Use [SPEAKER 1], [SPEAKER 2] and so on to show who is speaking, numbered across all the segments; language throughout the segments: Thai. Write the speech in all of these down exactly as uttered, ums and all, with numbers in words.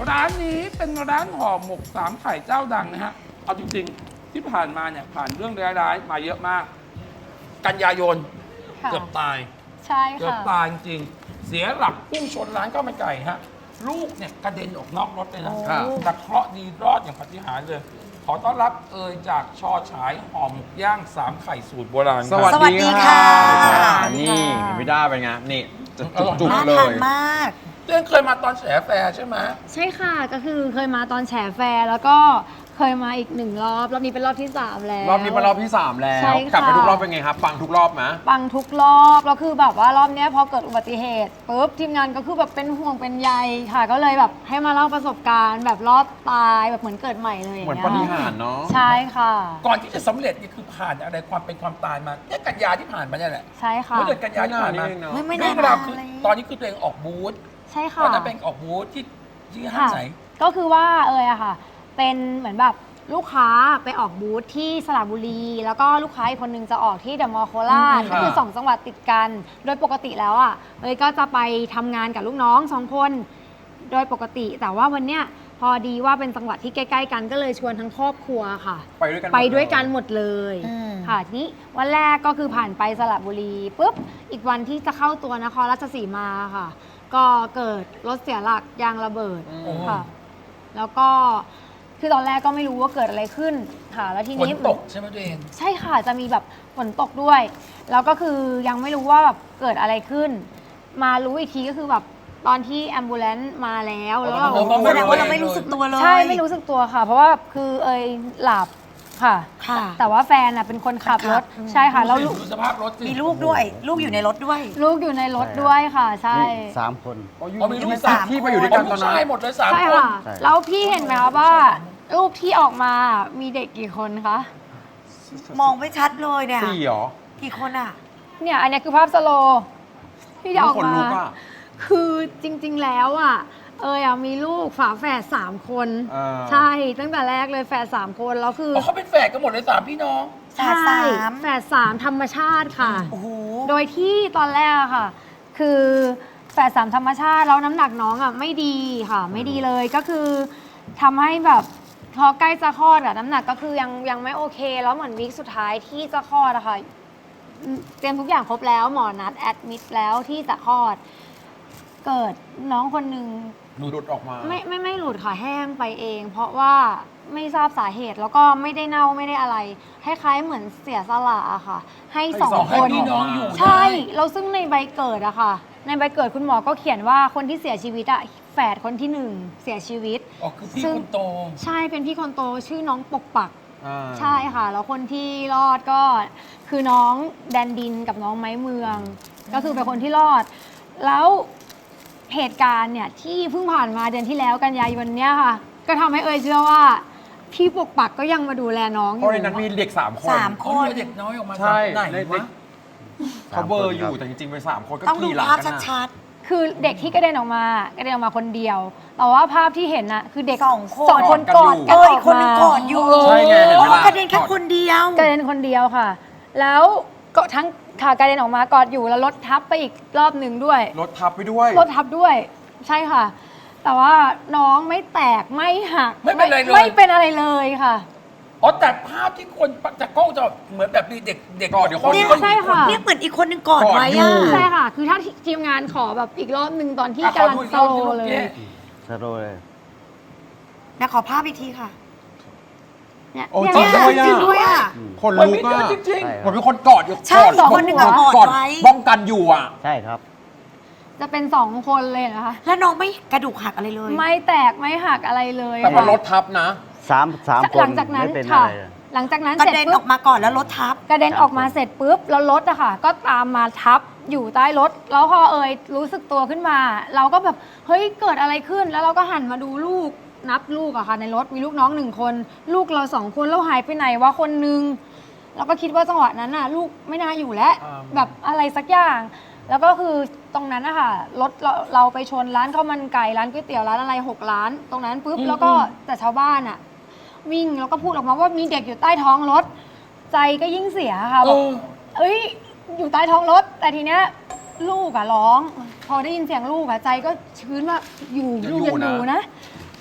[SPEAKER 1] ร้านนี้เป็นร้านห่อหมกสามไข่เจ้าดังนะฮะเอาจริงๆที่ผ่านมาเนี่ยผ่านเรื่องร้ายๆมาเยอะมาก กันยายนเกือบตาย
[SPEAKER 2] ใช่
[SPEAKER 1] เกือบ
[SPEAKER 2] ค่ะ
[SPEAKER 1] ตายจริงๆเสียหลักพุ่งชนร้านข้าวมันไก่ฮะลูกเนี่ยกระเด็นออกนอกรถเลยนะแต่เคราะห์ดีรอดอย่างปาฏิหาริย์เลย ขอต้อนรับเอยจากชอฉายห่อหมกย่างสามไข่สูตรโบราณ
[SPEAKER 3] สวัส
[SPEAKER 4] สวัสดี
[SPEAKER 3] ดี
[SPEAKER 4] ค่ะ
[SPEAKER 3] ค่ะนี่ไม่ได้เป็นไงนี่จะจุก
[SPEAKER 4] น่า
[SPEAKER 3] ๆเล
[SPEAKER 4] ทาน
[SPEAKER 3] ย
[SPEAKER 4] มาก
[SPEAKER 1] เต้นเคยมาตอนแฉแฟร์ใช่ไหม
[SPEAKER 2] ใช่ค่ะก็คือเคยมาตอนแฉแฟร์แล้วก็เคยมาอีกหนึ่งรอบรอบนี้เป็นรอบที่สามแล้ว
[SPEAKER 3] รอบนี้เป็นรอบที่สามแล้ว
[SPEAKER 2] ใช่ค่ะ
[SPEAKER 3] กลับไปทุกรอบเป็นไงครับปังทุกรอบไหม
[SPEAKER 2] ปังทุกรอบแล้วคือแบบว่ารอบเนี้ยพอเกิดอุบัติเหตุปุ๊บทีมงานก็คือแบบเป็นห่วงเป็นใยค่ะ ก็เลยแบบให้มาเล่าประสบการณ์แบบรอดตายแบบเหมือนเกิดใหม่เลย
[SPEAKER 3] เหมือน
[SPEAKER 2] ย่
[SPEAKER 3] ป
[SPEAKER 2] ง
[SPEAKER 3] ฏิ
[SPEAKER 2] งี้ย
[SPEAKER 3] หารย์เนาะ
[SPEAKER 2] ใช่ค่ะ
[SPEAKER 1] ก่อนที่จะสำเร็จนี่คือผ่านอะไรความเป็นความตายมาเนี่ยกันยาที่ผ่านมาเนี่ยแหละ
[SPEAKER 2] ใช่ค่ะ
[SPEAKER 1] เมื่อเดือนกันยาที่ผ่านมา
[SPEAKER 3] ไม่นานนี่เองเนอะ
[SPEAKER 4] ไม่ไม่
[SPEAKER 1] เรื่
[SPEAKER 4] นา
[SPEAKER 1] อน งราว
[SPEAKER 4] มา
[SPEAKER 1] คือ
[SPEAKER 4] เลย
[SPEAKER 1] ตอนนี้คือตัวเองออกบูธ
[SPEAKER 2] ใช่
[SPEAKER 1] ต
[SPEAKER 2] ค่ะ
[SPEAKER 1] อนนั้นเป็นออกบูธที่ที่ห้าง
[SPEAKER 2] ค่ะ
[SPEAKER 1] ไหน
[SPEAKER 2] ก็คือว่าเอยอะค่ะ เป็นเหมือนแบบลูกค้าไปออกบูธที่สระบุรี แล้วก็ลูกค้าอีกคนนึงจะออกที่เดอะมอลล์โคราช
[SPEAKER 1] อืม
[SPEAKER 2] ก็คือ
[SPEAKER 1] ค่ะ
[SPEAKER 2] สองจังหวัดติดกัน โดยปกติแล้วอะเอยก็จะไปทำงานกับลูกน้องสองคนโดยปกติ แต่ว่าวันเนี้ยพอดีว่าเป็นจังหวัดที่ใกล้ๆกันก็เลยชวนทั้งครอบครัวค่ะ
[SPEAKER 3] ไปด้วยกันหมด
[SPEAKER 2] ไปด้วยกันหมดเลย
[SPEAKER 4] อืม
[SPEAKER 2] ค่ะทีนี้วันแรกก็คือผ่านไปสระบุรีปุ๊บอีกวันที่จะเข้าตัวนครราชสีมาค่ะ ก็เกิดรถเสียหลักยางระเบิด
[SPEAKER 3] อืม
[SPEAKER 2] ค่ะ แล้วก็คือตอนแรกก็ไม่รู้ว่าเกิดอะไรขึ้นค่ะ แล้วที
[SPEAKER 1] ฝน
[SPEAKER 2] นี้
[SPEAKER 1] ตกใช่ไหมตัวเอง
[SPEAKER 2] ใช่ค่ะจะมีแบบฝนตกด้วย แล้วก็คือยังไม่รู้ว่าแบบเกิดอะไรขึ้น มารู้อีกทีก็คือแบบตอนที่แอมบูเลนต์มาแล้วแล้วเรา
[SPEAKER 1] อ๋อก็
[SPEAKER 4] แสดงว่าเราไม่รู้สึกตัวเลย
[SPEAKER 2] ใช่ไม่รู้สึกตัวค่ะ เพราะว่าคือเอยหลับค่ะ
[SPEAKER 4] ค่ะ
[SPEAKER 2] แต่ว่าแฟนน่ะเป็นคนขับรถ
[SPEAKER 4] อืม
[SPEAKER 2] ใช่ค่ะแล้ว
[SPEAKER 1] ดู
[SPEAKER 2] ลูก
[SPEAKER 1] สิดูสภาพรถสิ
[SPEAKER 4] มีลูกด้วย ลูกอยู่ในรถด้วย
[SPEAKER 2] ลูกอยู่ในรถด้วยค่ะ ใช่
[SPEAKER 5] นี่สามคน
[SPEAKER 3] อ๋ออยู่
[SPEAKER 1] อ๋อมีลูก
[SPEAKER 3] ที่
[SPEAKER 1] สาม
[SPEAKER 3] ที่ไปอยู่ด้วยกัน
[SPEAKER 1] อ๋อ
[SPEAKER 3] ต
[SPEAKER 1] ลู
[SPEAKER 3] อน
[SPEAKER 1] ก
[SPEAKER 3] นั้น
[SPEAKER 1] ชายหมดเลยสาม
[SPEAKER 2] ใช่
[SPEAKER 1] คน
[SPEAKER 2] ค่ะ
[SPEAKER 5] ใช่
[SPEAKER 2] แล้วพี่เห็นไหมคะว่ารูปที่ออกมามีเด็กกี่คนคะ
[SPEAKER 4] มองไม่ชัดเลยเนี่ย
[SPEAKER 3] สี่เหรอ
[SPEAKER 4] กี่คนอ่ะ
[SPEAKER 2] เนี่ยอันเนี้ยคือภาพสโลว์ที่จะออก
[SPEAKER 3] ขน
[SPEAKER 2] มา
[SPEAKER 3] ลุกอะ
[SPEAKER 2] คือจริงๆแล้วอ่ะเอยอะมีลูกฝาแฝดสามคน
[SPEAKER 3] อ่า
[SPEAKER 2] ใช่ตั้งแต่แรกเลยแฝดสามคนแล้วคือ
[SPEAKER 1] อ๋อเขาเป็นแฝดกันหมดเลยสามพี่น้อง
[SPEAKER 4] แฝดสาม
[SPEAKER 2] แฝดสามธรรมชาติค่ะ
[SPEAKER 4] โอ้โห
[SPEAKER 2] โดยที่ตอนแรกอะค่ะ คือแฝดสามธรรมชาติแล้วน้ำหนักน้องอ่ะไม่ดีค่ะ ไม่ดีเลยก็คือทำให้แบบพอใกล้จะคลอดอะน้ำหนักก็คือยังยังไม่โอเค แล้วเหมือนวีคสุดท้ายที่จะคลอดอะค่ะอืมเตรียมทุกอย่างครบแล้วหมอนัดแอดมิดแล้วที่จะคลอด เกิดน้องคนหนึ่ง
[SPEAKER 3] หลุดออกมา
[SPEAKER 2] ไม่ไม่ไม่หลุดค่ะแห้งไปเอง เพราะว่าไม่ทราบสาเหตุแล้วก็ไม่ได้เน่าไม่ได้อะไรคล้ายๆเหมือนเสียสละอะค่ะ ให้สอง
[SPEAKER 1] สอง
[SPEAKER 2] ค
[SPEAKER 1] ให้
[SPEAKER 2] น
[SPEAKER 1] พี่น้องอยู่
[SPEAKER 2] ใช่
[SPEAKER 1] ได้
[SPEAKER 2] เราซึ่งในใบเกิดอะค่ะ ในใบเกิดคุณหมอก็เขียนว่าคนที่เสียชีวิตอะแฝดคนที่หนึ่งเสียชีวิต
[SPEAKER 1] อ๋อคือพี่
[SPEAKER 2] ซึ่ง
[SPEAKER 1] คนโต
[SPEAKER 2] ใช่เป็นพี่คนโตชื่อน้องปกปัก
[SPEAKER 3] อ่า
[SPEAKER 2] ใช่ค่ะ แล้วคนที่รอดก็คือน้องแดนดินกับน้องไม้เมือง ก็คือเป็นคนที่รอด แล้วเหตุการณ์เนี่ยที่เพิ่งผ่านมาเดือนที่แล้วกันยายนเนี่ยค่ะ ก็ทำให้เอยเชื่อว่า พี่ปกปักก็ยังมาดูแลน้องอ
[SPEAKER 3] เพ
[SPEAKER 2] ยู่
[SPEAKER 3] ราะในนั้นมีเด็กสามคน
[SPEAKER 4] สาม
[SPEAKER 1] คนเหลือเด็กน้อยออกมา
[SPEAKER 3] ใช่
[SPEAKER 1] ไหน
[SPEAKER 3] ใน
[SPEAKER 1] วะ
[SPEAKER 3] เขาเบอร์อยู่แต่จริงๆเป็นสามคนก็
[SPEAKER 4] ต้องดู
[SPEAKER 3] ขี่หลัง
[SPEAKER 4] ภาพ
[SPEAKER 3] กันอะ
[SPEAKER 4] ชัด
[SPEAKER 2] คือเด็กที่กระเด็นออกมากระเด็นออกมาคนเดียว แต่ว่าภาพที่เห็นน่ะคือเด็ก
[SPEAKER 4] สองคน
[SPEAKER 2] สองคนกอด
[SPEAKER 4] ๆ
[SPEAKER 2] กั
[SPEAKER 4] เอน อ
[SPEAKER 2] อ
[SPEAKER 4] อี
[SPEAKER 2] อก ก
[SPEAKER 4] คนหนึง
[SPEAKER 2] มา
[SPEAKER 4] ก่อนอยู่
[SPEAKER 3] ใช่ไงเห็นไหมล่ะ
[SPEAKER 4] กระเด็นแค่คนเดียว
[SPEAKER 2] กระเด็นคนเดียวค่ะ แล้วก็ทั้งขากระเด็นออกมากอดอยู่แล้วรถทับไปอีกรอบหนึ่งด้วย
[SPEAKER 3] รถทับไปด้วย
[SPEAKER 2] รถทับด้วย ใช่ค่ะ แต่ว่าน้องไม่แตกไม่หัก
[SPEAKER 1] ไม่เป็นไรเลย
[SPEAKER 2] ไม่เป็นอะไรเลยค่ะ
[SPEAKER 1] อ๋อแต่ภาพที่คนจากกล้องจะเหมือนแบบมีเด็กเด็ก
[SPEAKER 3] กอดอยู่คน
[SPEAKER 4] เนี่ย
[SPEAKER 2] ใช่ค่ะ
[SPEAKER 4] เนี่ยเหมือนอีกคนหนึงกอดไว้
[SPEAKER 3] กอดอยู่
[SPEAKER 4] อะ
[SPEAKER 2] ใช่ค่ะ คือถ้าทีมงานขอแบบอีกรอบหนึ่งตอนที่
[SPEAKER 1] อ่ะขอก
[SPEAKER 2] ำลัง
[SPEAKER 1] ดูอีก
[SPEAKER 2] โซ
[SPEAKER 1] รอบ
[SPEAKER 2] โล
[SPEAKER 1] ที่ลูก
[SPEAKER 2] เลย
[SPEAKER 1] เจ๊
[SPEAKER 5] สโลว์เลย
[SPEAKER 4] นะขอภาพอีกทีค่ะ
[SPEAKER 2] เนี่ย
[SPEAKER 3] โอ้
[SPEAKER 2] เนี่ย
[SPEAKER 3] จริง
[SPEAKER 2] เนี่ย
[SPEAKER 3] ด้วย
[SPEAKER 4] จริงด้วยอ่ะ
[SPEAKER 3] คน
[SPEAKER 1] มัน
[SPEAKER 3] ลุ
[SPEAKER 1] มี
[SPEAKER 3] ก
[SPEAKER 1] เย
[SPEAKER 3] อะ
[SPEAKER 1] อะจริง
[SPEAKER 5] ใช่
[SPEAKER 3] เหมือนเป็นคนกอดอยู่
[SPEAKER 4] ใช่
[SPEAKER 3] กอด
[SPEAKER 4] สองคนหนึ่งอะกอดไว้
[SPEAKER 3] ป้องกันอยู่อ่ะ
[SPEAKER 5] ใช่ครับ
[SPEAKER 2] จะเป็นสองคนเลยนะคะ
[SPEAKER 4] แล้วน้องไม่กระดูกหักอะไรเลย
[SPEAKER 2] ไม่แตกไม่หักอะไรเลย
[SPEAKER 3] แต่ว่ารถ
[SPEAKER 2] ค่ะ
[SPEAKER 3] ทับนะ
[SPEAKER 5] สามสามค
[SPEAKER 2] หลั
[SPEAKER 5] น
[SPEAKER 2] งจากนั้น
[SPEAKER 5] ไม่เป็นอะ
[SPEAKER 2] ค่ะ
[SPEAKER 5] ไรเลย
[SPEAKER 2] หลังจากนั้น
[SPEAKER 4] กระ
[SPEAKER 2] เสร็จ
[SPEAKER 4] เด็น
[SPEAKER 2] ปุ๊
[SPEAKER 4] อบ อกมาก่อนแล้วรถทับ
[SPEAKER 2] กระเด็นออกมาเสร็จปุ๊บแล้วรถอะค่ะ ก็ตามมาทับอยู่ใต้รถ แล้วพอเอยรู้สึกตัวขึ้นมา เราก็แบบเฮ้ยเกิดอะไรขึ้น แล้วเราก็หันมาดูลูกนับลูกอะค่ะ ในรถมีลูกน้องหนึ่งคน ลูกเราสองคนแล้วหายไปไหนวะคนนึงเราก็คิดว่าจังหวะนั้นน่ะ ลูกไม่น่าอยู่แล้ว
[SPEAKER 3] อ่า
[SPEAKER 2] แบบอะไรสักอย่าง แล้วก็คือตรงนั้นนะคะรถเราเราไปชนร้านข้าวมันไก่ร้านก๋วยเตี๋ยวร้านอะไรหกร้าน ตรงนั้นปุ๊บ
[SPEAKER 1] อืม
[SPEAKER 2] แล้วก็แต่ชาวบ้านอะวิ่งแล้วก็พูดออกมาว่ามีเด็กอยู่ใต้ท้องรถ ใจก็ยิ่งเสียค่ะ
[SPEAKER 1] ๆเอ
[SPEAKER 2] บอก
[SPEAKER 1] อ
[SPEAKER 2] เอ้ย อยู่ใต้ท้องรถ แต่ทีเนี้ยลูกอะร้อง พอได้ยินเสียงลูกอะใจก็ชื้นว่าอยู่
[SPEAKER 3] ยัง
[SPEAKER 2] ลูก
[SPEAKER 3] อยู่
[SPEAKER 2] ยังอยู่
[SPEAKER 3] นะ
[SPEAKER 2] นะ ใ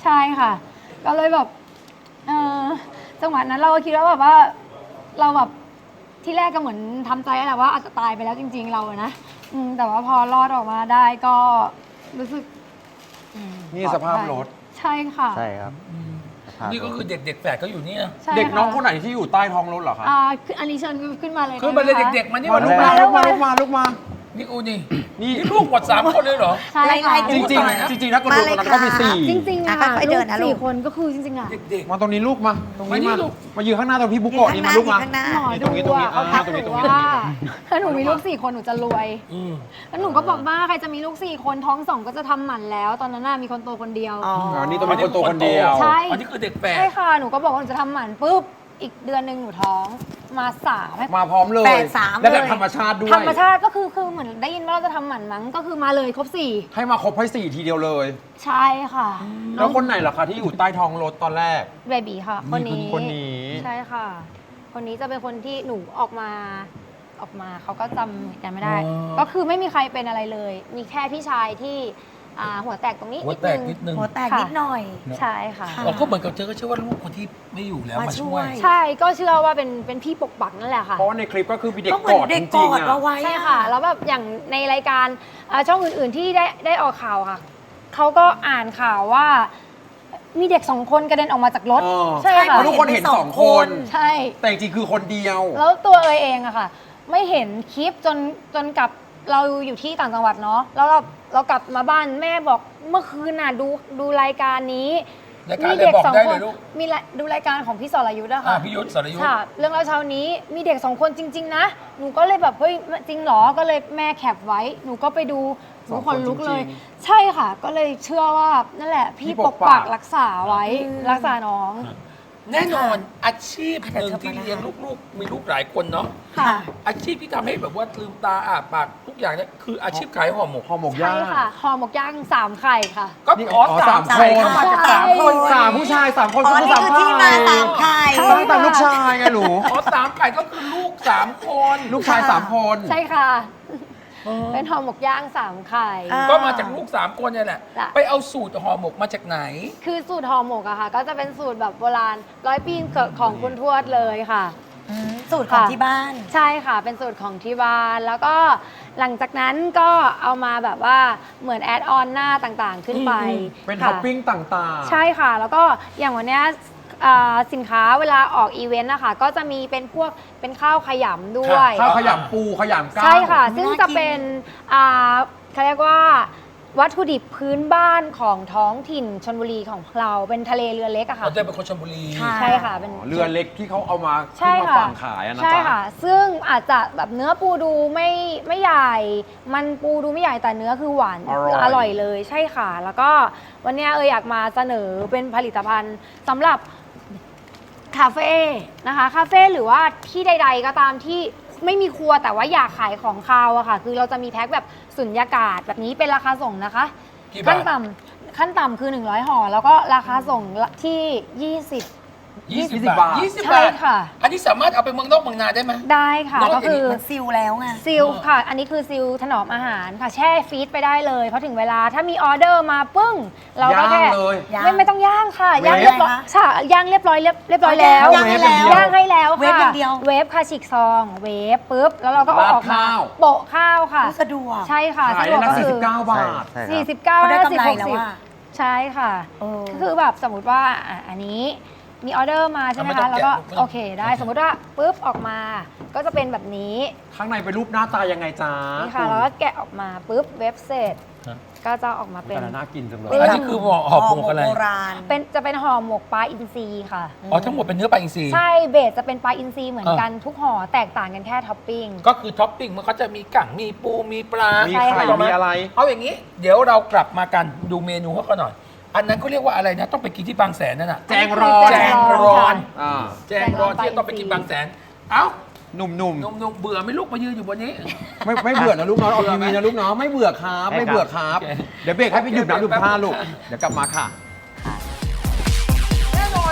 [SPEAKER 2] ใช่ค่ะ ก็เลยแบบเออจังหวะนั้นเราก็คิดว่าแบบว่าเราแบบที่แรกก็เหมือนทำใจแหละว่าอาจจะตายไปแล้วจริง ๆ เราอะนะอืมแต่ว่าพอรอดออกมาได้ก็รู้สึกอืม
[SPEAKER 3] นี่สภาพรถ
[SPEAKER 2] ใช่ค่ะ
[SPEAKER 5] ใช่ครับ
[SPEAKER 1] นี่ก็คือเด็กเด็กๆแฝดก็อยู่นี่นะ
[SPEAKER 2] ใช่
[SPEAKER 3] เด็กน้อง
[SPEAKER 2] ะ
[SPEAKER 3] คนไหนที่อยู่ใต้ท้องรถเหรอคะ
[SPEAKER 2] อ่าคืออันนี้เชิญขึ้นมาเลย
[SPEAKER 1] คือมาเลย
[SPEAKER 2] ได้ไหคะ
[SPEAKER 1] เด็กๆมานี่
[SPEAKER 3] มา
[SPEAKER 1] มา
[SPEAKER 3] ลุ
[SPEAKER 1] ลู
[SPEAKER 3] ก
[SPEAKER 1] ก
[SPEAKER 3] มา
[SPEAKER 1] มา
[SPEAKER 3] ลุกมาลุกมาลุกมา
[SPEAKER 1] นี่อูนี่
[SPEAKER 3] นี่
[SPEAKER 1] นี่ลูกหมดสามคนเลยเหรอ
[SPEAKER 2] ใช่ค่ะ
[SPEAKER 4] ไล่ๆ
[SPEAKER 3] จ
[SPEAKER 4] ดู
[SPEAKER 3] ริง
[SPEAKER 4] หน่อย
[SPEAKER 3] ๆจริงๆถ้ากระโดดตรงนั้นก็มีสี่
[SPEAKER 2] จริงๆ
[SPEAKER 4] อ่ะ
[SPEAKER 2] อะ
[SPEAKER 4] ค่อยๆเดินนะลู
[SPEAKER 2] สี่
[SPEAKER 4] ก
[SPEAKER 2] คนก็คือจริงๆอะ
[SPEAKER 1] เด็ก
[SPEAKER 3] มาตรงนี้ลูกมา ตรงนี้
[SPEAKER 1] มา
[SPEAKER 3] มา
[SPEAKER 1] นี่ลูก
[SPEAKER 3] มายืนข้างหน้าตรงพี่บุ๊กโกะนี่มาลูกมา
[SPEAKER 4] ข้างหน้า
[SPEAKER 2] หมอ
[SPEAKER 3] นี่
[SPEAKER 2] ดู
[SPEAKER 3] ตรงนี้ตรงนี้
[SPEAKER 2] อะเขาทัก
[SPEAKER 3] อ่าตรงนี้
[SPEAKER 2] หนู
[SPEAKER 3] ตรงนี้
[SPEAKER 2] ว่าถ้าหนูมีลูกสี่คนหนูจะรวย
[SPEAKER 1] ๆอืม
[SPEAKER 2] แล้วหนูก็บอกว่าใครจะมีลูกสี่คนท้องสองก็จะทำหมันแล้ว ตอนนั้นน่ะมีคนโตคนเดียว
[SPEAKER 4] อ๋อ
[SPEAKER 3] อ๋อนี่ต้องเป็นคนโตคนเดียว
[SPEAKER 2] ใช่
[SPEAKER 1] อันนี้คือเด็กแฝด
[SPEAKER 2] ใช่ค่ะหนูก็บอกว่าหนูจะทำหมันปุ๊บอีกเดือนหนึ่งหนูท้องมาสามให้
[SPEAKER 3] มาพร้อมเลย
[SPEAKER 4] แปดสาม
[SPEAKER 3] และแบบ
[SPEAKER 4] เลย
[SPEAKER 3] ธรรมชาติด้วย
[SPEAKER 2] ธรรมชาติก็คือคือเหมือนได้ยินว่าเราจะทำหมันมั้งก็คือมาเลยครบสี่
[SPEAKER 3] ให้มาครบให้สี่ทีเดียวเลย
[SPEAKER 2] ใช่ค่ะ
[SPEAKER 3] แล้วคนไหนล่ะคะที่อยู่ใต้ท้องรถตอนแรก
[SPEAKER 2] เบบีค่ะ คนนี้
[SPEAKER 3] คนนี้
[SPEAKER 2] ใช่ค่ะ คนนี้จะเป็นคนที่หนูออกมาออกมาเขาก็จำเหตุการณ์ไม่ได้
[SPEAKER 1] อ๋อ
[SPEAKER 2] ก็คือไม่มีใครเป็นอะไรเลย มีแค่พี่ชายที่อ่าหัวแตกตรงนี้
[SPEAKER 1] หัว
[SPEAKER 2] นิด
[SPEAKER 1] แตก
[SPEAKER 2] นึง
[SPEAKER 1] นิดนึง
[SPEAKER 4] หัวแตกนิดหน่อย
[SPEAKER 2] ใช่ค่ะ
[SPEAKER 4] ค่ะ
[SPEAKER 1] เราก็เหมือนกับเธอก็เชื่อว่าลูกคนที่ไม่อยู่แล้ว
[SPEAKER 4] มา
[SPEAKER 1] มา
[SPEAKER 4] ช่
[SPEAKER 1] ช่
[SPEAKER 4] ว
[SPEAKER 1] วย ย
[SPEAKER 2] ใช่ก็เชื่อว่าเป็นเป็นพี่ปกปักนั่นแหละค่ะ
[SPEAKER 3] เพราะว่าในคลิปก็คือมีเด็ก
[SPEAKER 4] ก็เหมื
[SPEAKER 3] ก
[SPEAKER 4] อน
[SPEAKER 3] อด
[SPEAKER 4] เด็
[SPEAKER 3] จ
[SPEAKER 4] กก
[SPEAKER 3] ริง
[SPEAKER 4] อ
[SPEAKER 3] ๆ
[SPEAKER 4] ด
[SPEAKER 3] อ่ะ
[SPEAKER 4] เราไว้
[SPEAKER 2] ใช่ค่ะ แล้วแบบอย่างในรายการอ่าช่องอื่นๆที่ได้ได้ออกข่าวค่ะเขาก็อ่านข่าวว่ามีเด็กสองคนกระเด็นออกมาจากรถ
[SPEAKER 3] เออ
[SPEAKER 2] ใช่
[SPEAKER 3] เพ
[SPEAKER 2] ค่ะ
[SPEAKER 3] ราะทุกคนเห็นสองคน
[SPEAKER 2] ใช่
[SPEAKER 3] แต่จริงๆคือคนเดียว
[SPEAKER 2] แล้วตัวเอยเองอะค่ะ ไม่เห็นคลิปจนจนกลับเราอยู่ที่ต่างจังหวัดเนาะแล้วเราเรากลับมาบ้านแม่บอกเมื่อคืนน่ะดูดูรายการนี้
[SPEAKER 1] รายการอะไรบอกได้เลยลูก
[SPEAKER 2] มีละดูรายการของพี่สรยุทธ์อะ
[SPEAKER 1] อ่า
[SPEAKER 2] ค่ะ
[SPEAKER 1] พี่ยุทธสรยุทธ
[SPEAKER 2] ค่ะ เรื่องเล่าเช้านี้มีเด็กสองคนจริง ๆ นะ หนูก็เลยแบบเฮ้ยจริงเหรอก็เลยแม่แคปไว้ หนูก็ไปดูหนูขนลุกเลย
[SPEAKER 3] จริง
[SPEAKER 2] ใช่ค่ะ ก็เลยเชื่อว่านั่นแหละ พี่
[SPEAKER 3] พี่ป
[SPEAKER 2] ป
[SPEAKER 3] ก
[SPEAKER 2] ก
[SPEAKER 3] ปั
[SPEAKER 2] ปั
[SPEAKER 3] ก
[SPEAKER 2] กรักษาไว้รักษาน้อง
[SPEAKER 1] แน่นอนอาชีพหนึ่งที่เลี้ยงลูกๆ มีลูกหลายคนเนาะ
[SPEAKER 2] ค่ะ
[SPEAKER 1] อาชีพที่ทำให้แบบว่าลืมตาอ้าปากทุกอย่างเนี่ยคืออาชีพขายห่อหมก
[SPEAKER 3] ห่อหมกย่า
[SPEAKER 2] ใช่
[SPEAKER 3] ง
[SPEAKER 2] ค่ะห่อหมกย่างสามไข่ค่ะ
[SPEAKER 1] ก็
[SPEAKER 3] นี่
[SPEAKER 1] อ๋อ
[SPEAKER 3] อ๋อ
[SPEAKER 1] สาม
[SPEAKER 3] สาม
[SPEAKER 1] คน
[SPEAKER 3] คน
[SPEAKER 4] เข้ามาจากสามคน
[SPEAKER 3] สามผู้ชายสามคน
[SPEAKER 4] อ๋อ นี่
[SPEAKER 3] สาม
[SPEAKER 4] คือที่มาสามไข่
[SPEAKER 3] ต้องตามลูกชายไงหนู
[SPEAKER 1] อ๋อสามไก่ก็คือลูกสามคน
[SPEAKER 3] ลูกชายสามคน
[SPEAKER 2] ใช่ค่ะ
[SPEAKER 1] เออ
[SPEAKER 2] เป็นห่อหมกย่างสามไข่
[SPEAKER 4] อ่า
[SPEAKER 1] ก็มาจากลูกสามคนเนี่ยแหละ
[SPEAKER 2] จ้ะ
[SPEAKER 1] ไปเอาสูตรห่อหมกมาจากไหน
[SPEAKER 2] คือสูตรห่อหมกอะค่ะ ก็จะเป็นสูตรแบบโบราณร้อยปีของคุณทวดเลยค่ะ
[SPEAKER 4] อืมสูตรของ
[SPEAKER 2] ค่ะ
[SPEAKER 4] ที่บ้าน
[SPEAKER 2] ใช่ค่ะ เป็นสูตรของที่บ้าน แล้วก็หลังจากนั้นก็เอามาแบบว่าเหมือนแอดออนหน้าต่างๆ ขึ้นไป
[SPEAKER 3] เป็น
[SPEAKER 2] ค่ะ
[SPEAKER 3] ท็อปปิ้งต่างๆ
[SPEAKER 2] ใช่ค่ะ แล้วก็อย่างวันเนี้ยอ่าสินค้าเวลาออกอีเวนต์นะคะก็จะมีเป็นพวกเป็นข้าวขยำด้วย
[SPEAKER 3] ข้าวขยำปูขยำก้าง
[SPEAKER 2] ใช่ค่ะ
[SPEAKER 4] น่ากิน
[SPEAKER 2] ซึ่งจะเป็นอ่าเขาเรียกว่าวัตถุดิบพื้นบ้านของท้องถิ่นชลบุรีของเราเป็นทะเลเรือเล็กอะค่ะ
[SPEAKER 1] เขาจะเป็นคนชลบุรี
[SPEAKER 4] ค่ะ
[SPEAKER 2] ใช่ค่ะเป็น
[SPEAKER 3] เรือเล็กที่เขาเอามา
[SPEAKER 2] ใช่
[SPEAKER 3] ขึ้นมา
[SPEAKER 2] ค่ะ
[SPEAKER 3] ฝั่งขายอะนะ
[SPEAKER 2] ใช่
[SPEAKER 3] จ๊ะ
[SPEAKER 2] ค่ะ ซึ่งอาจจะแบบเนื้อปูดูไม่ไม่ใหญ่ มันปูดูไม่ใหญ่แต่เนื้อคือหวาน
[SPEAKER 3] อร่อย
[SPEAKER 2] อร่อยเลยใช่ค่ะ แล้วก็วันเนี้ยเอออยากมาเสนอเป็นผลิตภัณฑ์สำหรับคาเฟ่นะคะคาเฟ่หรือว่าที่ใด ๆ ก็ตามที่ไม่มีครัวแต่ว่าอยากขายของคาวอะค่ะ คือเราจะมีแพ็คแบบสุญญากาศแบบนี้เป็นราคาส่งนะคะ
[SPEAKER 1] กี่บาท
[SPEAKER 2] ขั้นต่ำขั้นต่ำคือหนึ่งร้อยห่อแล้วก็ราคาส่งที่ยี่สิบ
[SPEAKER 1] ยี่สิบ
[SPEAKER 3] ยี่สิบบา
[SPEAKER 1] บา
[SPEAKER 3] ท
[SPEAKER 1] ทยี่สิบ
[SPEAKER 2] ใช่
[SPEAKER 1] บาท
[SPEAKER 2] ค่ะ
[SPEAKER 1] อันนี้สามารถเอาไปเมืองนอกเมืองนาได้ไหม
[SPEAKER 2] ได้ค่ะ
[SPEAKER 1] นอก
[SPEAKER 2] ก็
[SPEAKER 1] จากนี้
[SPEAKER 2] คือ
[SPEAKER 4] มันซิลแล้วไง
[SPEAKER 2] ซิลค่ะ อันนี้คือซิลถนอมอาหารค่ะ แช่ฟรีซไปได้เลยเพราะถึงเวลาถ้ามีออเดอร์มาปึ้ง เราก็แค่
[SPEAKER 3] ย่างเลย
[SPEAKER 4] ย่าง
[SPEAKER 2] ไม่ไม่ต้องย่างค่ะ
[SPEAKER 3] เวฟ
[SPEAKER 2] ย่างเรียบร้อย
[SPEAKER 4] คะ
[SPEAKER 2] ใช่ย่างเรียบร้อยเรียบเรียบร้อยแล้ว
[SPEAKER 4] ย่างให้แล้ว
[SPEAKER 2] ย่างให้แล้วค่ะ
[SPEAKER 4] เวฟอย่างเดียว
[SPEAKER 2] เวฟค่ะฉีกซองเวฟปุ๊บแล้วเราก็เอา
[SPEAKER 3] ราด
[SPEAKER 2] ออกมา
[SPEAKER 3] ข้าว
[SPEAKER 2] โปะข้าวค่ะ
[SPEAKER 4] สะดวก
[SPEAKER 2] ใช่ค่ะ
[SPEAKER 3] ขาย
[SPEAKER 2] สะด
[SPEAKER 3] ได้
[SPEAKER 2] วก
[SPEAKER 3] นะ
[SPEAKER 2] ก็
[SPEAKER 3] สี่
[SPEAKER 2] คื
[SPEAKER 3] สิบ
[SPEAKER 2] อ
[SPEAKER 3] เก้าบาท
[SPEAKER 5] ใช่ครับ
[SPEAKER 2] สี่สิบเก้า
[SPEAKER 4] ก็ได้
[SPEAKER 2] ห้าสิบ
[SPEAKER 4] กำไร
[SPEAKER 2] หก
[SPEAKER 4] แล้ว
[SPEAKER 2] สิบ
[SPEAKER 4] อะ
[SPEAKER 2] ใช่ค่ะ
[SPEAKER 4] เออ
[SPEAKER 2] ก็คือแบบสมมติว่าอ่ะอันนี้มีออเดอร์มาใช่ไหม
[SPEAKER 1] ไม่ต้อ
[SPEAKER 2] คะ
[SPEAKER 1] ง
[SPEAKER 2] แล้วก็
[SPEAKER 1] แกะไม่ต้อง
[SPEAKER 2] โอเคได้สมมติว่าปุ๊บออกมาก็จะเป็นแบบนี้
[SPEAKER 3] ข้างในเป็นรูปหน้าตายังไงจ๊ะ
[SPEAKER 2] นี่ค่ะแล้วก็แกะออกมาปุ๊บเว็บเสร็จ
[SPEAKER 1] ฮะ
[SPEAKER 2] ก็จะออกมาเป็น
[SPEAKER 3] แต่ละน่ากินจังเลย
[SPEAKER 2] เป็น
[SPEAKER 1] อันนี้คือห่อห่อหมกอะไร
[SPEAKER 4] โบราณ
[SPEAKER 2] เป็นจะเป็นห่อหมกปลาอินทรีค่ะ
[SPEAKER 1] อ๋อทั้งหมดเป็นเนื้อปลาอินทรี
[SPEAKER 2] ใช่เบสจะเป็นปลาอินทรีเหมือนกันทุกห่อแตกต่างกันแค่ท็อปปิ้ง
[SPEAKER 1] ก็คือท็อปปิ้งมันก็จะมีกั่งมีปูมีปลา
[SPEAKER 3] มี
[SPEAKER 2] ใช่
[SPEAKER 3] ไข่
[SPEAKER 2] ค่ะ
[SPEAKER 3] มีอะไร
[SPEAKER 1] เอาอย่างนี้ เดี๋ยวเรากลับมากันดูเมนูเขากันหน่อย อันนั้นเขาเรียกว่าอะไรนะ ต้องไปกินที่บางแสนนั่นน่ะ
[SPEAKER 3] แจงรอน
[SPEAKER 1] แจงรอน
[SPEAKER 3] อ่า
[SPEAKER 1] แจงรอนที่จะต้องไปกินบางแสน เอ้า
[SPEAKER 3] หนุ่ม
[SPEAKER 1] นมนมเบื่อไหม่ลูกมายืนอยู่บนนี้
[SPEAKER 3] ๆ ไม่ไม่เบื่อนะลูกน้องออกทีวีนะลูกน้องไม่เบื่อครับ ไม่เบื่อครับ
[SPEAKER 1] โอเค
[SPEAKER 3] เดี๋ยวเบรกให้ไปดื่มน้ำดื่มท่าลูก เดี๋ยวกลับมาค่ะ
[SPEAKER 1] แน่นอน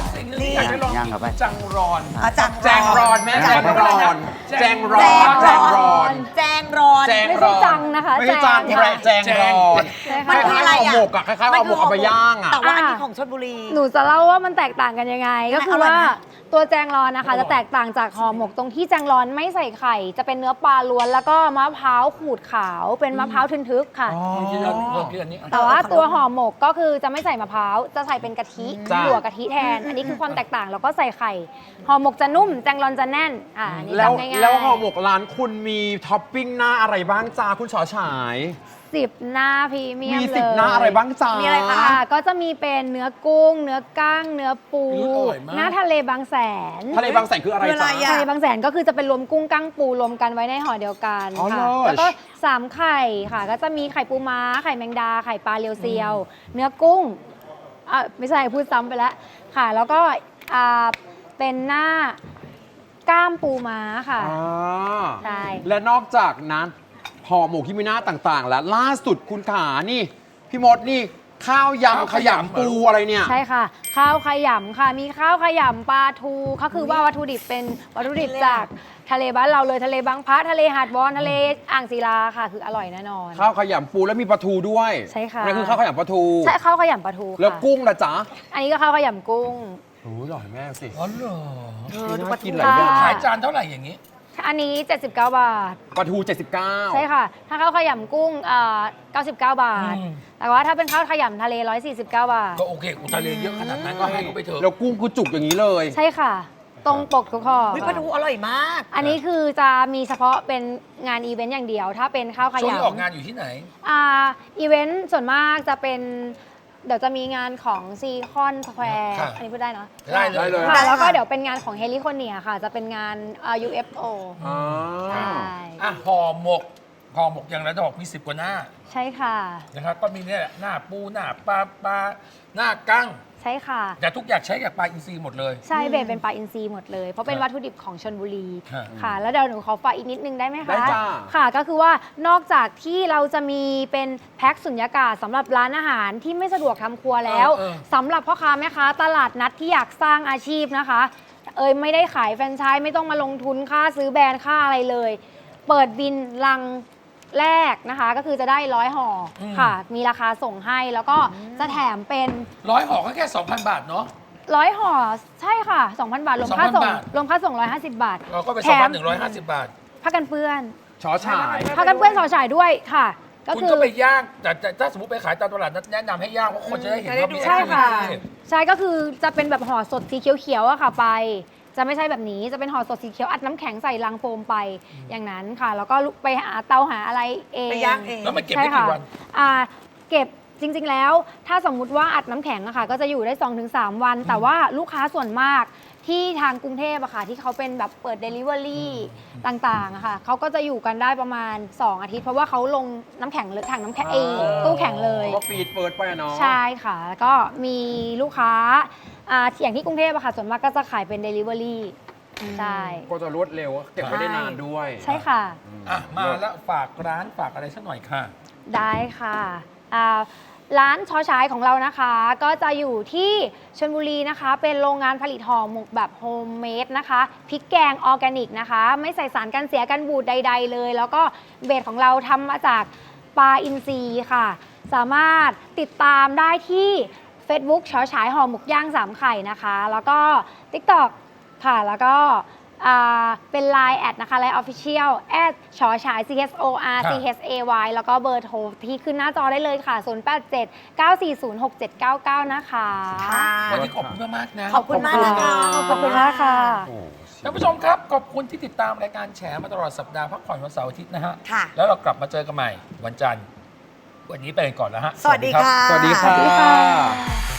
[SPEAKER 1] สิ่งหนึงที่อยากจะลอง
[SPEAKER 5] ย่างเข้าไป
[SPEAKER 1] จังรอน
[SPEAKER 4] อ่ะจัง
[SPEAKER 3] แจงรอนแม่
[SPEAKER 4] แจ
[SPEAKER 3] แจ
[SPEAKER 4] ง
[SPEAKER 3] ง
[SPEAKER 4] ร
[SPEAKER 3] ร
[SPEAKER 4] อ
[SPEAKER 3] อน นแจงรอน
[SPEAKER 4] แจ
[SPEAKER 3] แจ
[SPEAKER 4] ง
[SPEAKER 3] ง
[SPEAKER 4] ร
[SPEAKER 3] ร
[SPEAKER 4] อ
[SPEAKER 3] อน น
[SPEAKER 4] แจงรอน
[SPEAKER 3] แจง
[SPEAKER 2] ไม่
[SPEAKER 3] ร
[SPEAKER 2] ใช่
[SPEAKER 3] อน
[SPEAKER 2] จังนะคะ
[SPEAKER 3] ไม่ใช่จัง
[SPEAKER 2] แจง
[SPEAKER 3] แจงรอน
[SPEAKER 2] ใช่
[SPEAKER 4] มัน
[SPEAKER 2] ค่ะ
[SPEAKER 4] คืออะไร
[SPEAKER 3] ห่อ
[SPEAKER 4] อ่ะ
[SPEAKER 3] หมกอะคล้ายๆห่อหมกเอาไปย่างอะ
[SPEAKER 4] แต่ว่าอันนี้
[SPEAKER 2] อ่ะ
[SPEAKER 4] ของชลบุรี
[SPEAKER 2] หนูจะเล่าว่ามันแตกต่างกันยังไง ก็คือ
[SPEAKER 4] อร่อย
[SPEAKER 2] ว่า
[SPEAKER 4] นะ
[SPEAKER 2] ตัวแจงรอนนะคะ จะแตกต่างจากห่อหมกตรงที่แจงรอนไม่ใส่ไข่ จะเป็นเนื้อปลาล้วนแล้วก็มะพร้าวขูดขาวเป็นมะพร้าวทึนทึกค่ะ
[SPEAKER 1] ที่เราเพิ่มที่อันนี้
[SPEAKER 2] แต่ว่าตัวห่อหมกก็คือจะไม่ใส่มะพร้าวจะใส่เป็นกะทิ
[SPEAKER 3] จ้ะ
[SPEAKER 2] หัวกะทิแทน อันนี้คือความแตกต่างแล้วก็ใส่ไข่ห่อหมกจะนุ่มแจงรอนจะแน่นอ่าอันนี้
[SPEAKER 3] แล้ว
[SPEAKER 2] จำง่ายๆ
[SPEAKER 3] แล้วห่อหมกร้านคุณมีท็อปปิ้งหน้าอะไรบ้างจ้าคุณชอฉาย
[SPEAKER 2] สิบหน้าพรีเมียม
[SPEAKER 3] มี
[SPEAKER 2] เลย
[SPEAKER 3] สิบหน้าอะไรบ้างจ้า
[SPEAKER 4] มี
[SPEAKER 3] มี
[SPEAKER 4] อะไรคะ
[SPEAKER 2] ค่ะก็จะมีเป็นเนื้อกุ้ง เนื้อก้าง เนื้อปู
[SPEAKER 1] อุ๊ยอร่อยมาก
[SPEAKER 2] หน้าทะเลบางแสน
[SPEAKER 3] ทะเลบางแสนคืออะไร
[SPEAKER 4] คืออะไร
[SPEAKER 3] จ้า
[SPEAKER 4] อะ
[SPEAKER 2] ทะเลบางแสนก็คือจะเป็นรวมกุ้งก้างปูรวมกันไว้ในห่อเดียวกัน
[SPEAKER 3] อ๋อ
[SPEAKER 2] ค่ะ
[SPEAKER 3] เลิศ
[SPEAKER 2] แล้วก็สามไข่ค่ะ ก็จะมีไข่ปูม้า ไข่แมงดา ไข่ปลาเรียวเซียว เนื้อกุ้งอ่ะไม่ใช่พูดซ้ำไปแล้วค่ะ แล้วก็อ่าเป็นหน้ากล้ามปูม้าค่ะ
[SPEAKER 3] อ่า
[SPEAKER 2] ใช่
[SPEAKER 3] และนอกจากนั้นห่อหมกที่มีหน้าต่างๆ แล้วล่าสุดคุณขานี่ พี่มดนี่ ข้าวยำขยำปูอะไรเนี่ย
[SPEAKER 2] ใช่ค่ะ ข้าวขยำค่ะ มีข้าวขยำปลาทูก็คือว่าวัตถุดิบเป็นวัตถุดิบจากทะเลบ้านเราเลยทะเลบางพระทะเลหาดวอนทะเลอ่างศิลาค่ะ คืออร่อยแน่นอน
[SPEAKER 3] ข้าวขยำปูแล้วมีปลาทูด้วย
[SPEAKER 2] ใช่ค่ะ
[SPEAKER 3] นั่นคือข้าวขยำปลาทู
[SPEAKER 2] ใช่ข้าวขยำปลาทูค่ะ
[SPEAKER 3] แล้วกุ้งละจ๊ะ
[SPEAKER 2] อันนี้ก็ข้าวขยำกุ้ง
[SPEAKER 3] โอ้ยอร่อยแม่สิ
[SPEAKER 1] อ๋อเหรอ
[SPEAKER 4] เออดูปลาทู
[SPEAKER 3] กินหลายอย่าง
[SPEAKER 2] ค่ะ
[SPEAKER 1] ขายจานเท่าไหร่อย่างนี้
[SPEAKER 2] อันนี้ เจ็ดสิบเก้า บาท
[SPEAKER 3] ปลาทูเจ็ดสิบเก้า
[SPEAKER 2] ใช่ค่ะ ถ้าข้าวขยำกุ้งเอ่อเก้าสิบเก้า บาท
[SPEAKER 1] อืม
[SPEAKER 2] แต่ว่าถ้าเป็นข้าวขยำทะเล หนึ่งร้อยสี่สิบเก้า บาท
[SPEAKER 1] ก็โอเคอุทะเลเยอะขนาดนั้นก็ให้เขาไปเถอะ
[SPEAKER 3] แล้วกุ้งคือจุกอย่างนี้เลย
[SPEAKER 2] ใช่ค่ะ ตรงปกทุกข้อ
[SPEAKER 4] วิปลาทูอร่อยมาก
[SPEAKER 2] อันนี้คือจะมีเฉพาะเป็นงานอีเวนต์อย่างเดียว ถ้าเป็นข้าวข
[SPEAKER 1] ช่วงนี้
[SPEAKER 2] ยำ
[SPEAKER 1] ออกงานอยู่ที่ไหน
[SPEAKER 2] อ่าอีเวนต์ส่วนมากจะเป็นเดี๋ยวจะมีงานของซีคอนสแควร์
[SPEAKER 1] ค่ะ
[SPEAKER 2] อันนี้พูดได้เนอะ
[SPEAKER 1] ได้เลย
[SPEAKER 3] ได้เลย
[SPEAKER 2] ค่ะ
[SPEAKER 4] ได้
[SPEAKER 2] แล้วก็
[SPEAKER 4] ค่ะ
[SPEAKER 2] เดี๋ยวเป็นงานของเฮลิคอนเนียค่ะ จะเป็นงานอ่า ยู เอฟ โอ
[SPEAKER 3] อ่า
[SPEAKER 2] ใช่
[SPEAKER 1] อ่ะห่อหมกห่อหมกอย่างไรจะบอกมีสิบกว่าหน้า
[SPEAKER 2] ใช่ค่ะ
[SPEAKER 1] นะครับก็มีเนี่ยแหละหน้าปูหน้าปลาปลาหน้ากั้ง
[SPEAKER 2] ใช่ค่ะ
[SPEAKER 1] แต่ทุกอย่างใช้จากปลาอินทรีย์หมดเลย
[SPEAKER 2] ใช่เบสเป็นปลาอินทรีย์หมดเลย เพราะเป็นวัตถุดิบของชนบุรี
[SPEAKER 1] ครับ
[SPEAKER 2] ค่ะ แล้วเดี๋ยวหนูขอฝากอีกนิดนึงได้ไหมคะ
[SPEAKER 3] ได้จ้า
[SPEAKER 2] ค่ะ ก็คือว่านอกจากที่เราจะมีเป็นแพ็คสุญญากาศสำหรับร้านอาหารที่ไม่สะดวกทำครัวแล้ว
[SPEAKER 1] เออเออ
[SPEAKER 2] สำหรับพ่อค้าแม่ค้าตลาดนัดที่อยากสร้างอาชีพนะคะ เอยไม่ได้ขายแฟรนไชส์ไม่ต้องมาลงทุนค่าซื้อแบรนด์ค่าอะไรเลย เปิดบินลังแรกนะคะ ก็คือจะได้ร้อยห่ออค่ะ มีราคาส่งให้แล้วก็จะแถมเป็น
[SPEAKER 1] ร้อยห่อก็แค่สองพันบาทเนาะ
[SPEAKER 2] ร้อยห่อใช่ค่ะ สองพัน บาท รวมค่าส่ง
[SPEAKER 1] สองพันบาท
[SPEAKER 2] รวมค่าส่ง หนึ่งร้อยห้าสิบ บาท
[SPEAKER 1] เราก็ไป
[SPEAKER 2] แถ
[SPEAKER 1] สองพั
[SPEAKER 2] ม
[SPEAKER 1] นหนึ่งร้อยห้าสิบบาท
[SPEAKER 2] ผ้ากันเปื้อน
[SPEAKER 3] ชอฉาย
[SPEAKER 2] ผ้ากันเปื้อนสอฉายด้วยค่ะ ก็
[SPEAKER 1] คุณ
[SPEAKER 2] คือ
[SPEAKER 1] ก็ไปย่างแต่แต่ถ้าสมมติไปขายตามตลาดนัดแนะนำให้ย่างเพราะคนจะได้เห็นว่ามี
[SPEAKER 2] ใช่ค่ะ
[SPEAKER 1] activity
[SPEAKER 2] ใช่ก็คือจะเป็นแบบห่อสดสีเขียวๆอะค่ะไป จะไม่ใช่แบบนี้จะเป็นห่อสดสีเขียวอัดน้ำแข็งใส่ลังโฟมไปอย่างนั้นค่ะ แล้วก็ไปหาเตาหาอะไรเอง
[SPEAKER 4] ไปย่างเอง
[SPEAKER 1] แล้วมันเก็บ
[SPEAKER 2] ใช่
[SPEAKER 1] ได้
[SPEAKER 2] ค่ะ
[SPEAKER 1] กี่วัน
[SPEAKER 2] อ่าเก็บจริง ๆ แล้ว ถ้าสมมุติว่าอัดน้ำแข็งอะค่ะ ก็จะอยู่ได้ สองถึงสาม วัน แต่ว่าลูกค้าส่วนมากที่ทางกรุงเทพอะค่ะ ที่เขาเป็นแบบเปิด Delivery ต่างๆอะค่ะเขาก็จะอยู่กันได้ประมาณ สอง อาทิตย์ เพราะว่าเขาลงน้ำแข็งเลยถังน้ำแข็งเองตู้แข็งเลย
[SPEAKER 3] ก็ฟีดเปิดไปอะเนาะ
[SPEAKER 2] ใช่ค่ะ แล้วก็มีลูกค้าอ่าอย่างที่กรุงเทพอะค่ะ ส่วนมากก็จะขายเป็น Delivery ใช่
[SPEAKER 3] ก็จะรวดเร็วเก็บไว้ได้นานด้วย
[SPEAKER 2] ใช่ค่ะ
[SPEAKER 1] อ่ะมาแล้วฝากร้านฝากอะไรสักหน่อยค่ะ
[SPEAKER 2] ได้ค่ะอ่าร้านชอชายของเรานะคะ ก็จะอยู่ที่ชลบุรีนะคะ เป็นโรงงานผลิตห่อหมกแบบโฮมเมดนะคะพริกแกงออร์แกนิกนะคะ ไม่ใส่สารกันเสียกันบูดใด ๆ เลย แล้วก็เบสของเราทำมาจากปลาอินทรีค่ะ สามารถติดตามได้ที่ Facebook ชอชายห่อหมกย่างสามไข่นะคะ แล้วก็ TikTok ค่ะ แล้วก็อ่าเป็น ไลน์ แอดนะคะ ไลน์ Official แอดชอฉาย C H O R C H A Y แล้วก็เบอร์โทรที่ขึ้นหน้าจอได้เลยค่ะ ศูนย์ แปด เจ็ด เก้า สี่ ศูนย์ หก เจ็ด เก้า เก้า นะคะ
[SPEAKER 4] ค่ะ
[SPEAKER 1] วันนี้ขอบคุณมากๆนะ
[SPEAKER 4] ขอบคุณมากนะคะ
[SPEAKER 2] ขอบคุณมากค่ะ
[SPEAKER 3] โอ้
[SPEAKER 1] ท่านผู้ชมครับ ขอบคุณที่ติดตามรายการแฉมาตลอดสัปดาห์พักผ่อนวันเสาร์อาทิตย์นะฮะ
[SPEAKER 4] ค่ะ
[SPEAKER 1] แล้วเรากลับมาเจอกันใหม่วันจันทร์ วันนี้ไปกันก่อนแล้วฮะ
[SPEAKER 4] สวัสดีค่ะ
[SPEAKER 3] สวัสดี
[SPEAKER 2] สวัสดี
[SPEAKER 3] ค่ะ
[SPEAKER 2] ค่ะ